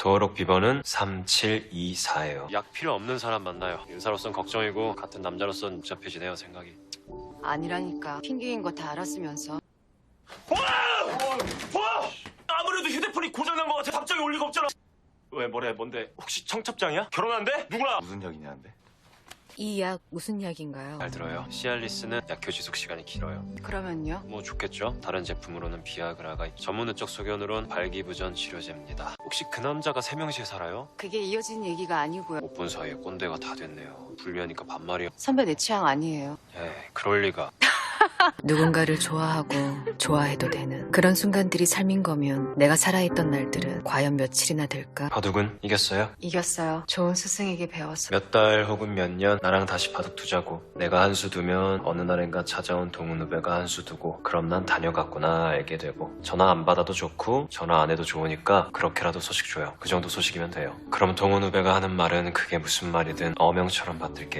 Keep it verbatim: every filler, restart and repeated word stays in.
登録비번은 삼칠이사예요. 약 필요 없는 사람 만나요. 인사로선 걱정이고 같은 남자로선 복잡해지네요, 생각이. 아니라니까. 핑계인 거 다 알았으면서. 아무래도 휴대폰이 고장난 것 같아. 답장이 올 리가 없잖아. 왜 뭐래 뭔데? 혹시 청첩장이야? 결혼한대? 누구랑? 무슨 약이냐는데? 이 약 무슨 약인가요? 잘 들어요. 시알리스는 약효 지속 시간이 길어요. 그러면요? 뭐 좋겠죠. 다른 제품으로는 비아그라가 있- 전문의적 소견으론 발기부전 치료제입니다. 혹시 그 남자가 세명시에 살아요? 그게 이어진 얘기가 아니고요. 못 본 사이에 꼰대가 다 됐네요. 분리하니까 반말이요. 선배 내 취향 아니에요. 에이, 그럴 리가. 누군가를 좋아하고 좋아해도 되는 그런 순간들이 삶인 거면 내가 살아있던 날들은 과연 며칠이나 될까? 바둑은 이겼어요? 이겼어요. 좋은 스승에게 배워서. 몇 달 혹은 몇 년 나랑 다시 바둑 두자고. 내가 한 수 두면 어느 날인가 찾아온 동훈 후배가 한 수 두고 그럼 난 다녀갔구나 알게 되고 전화 안 받아도 좋고 전화 안 해도 좋으니까 그렇게라도 소식 줘요. 그 정도 소식이면 돼요. 그럼 동훈 후배가 하는 말은 그게 무슨 말이든 어명처럼 받들게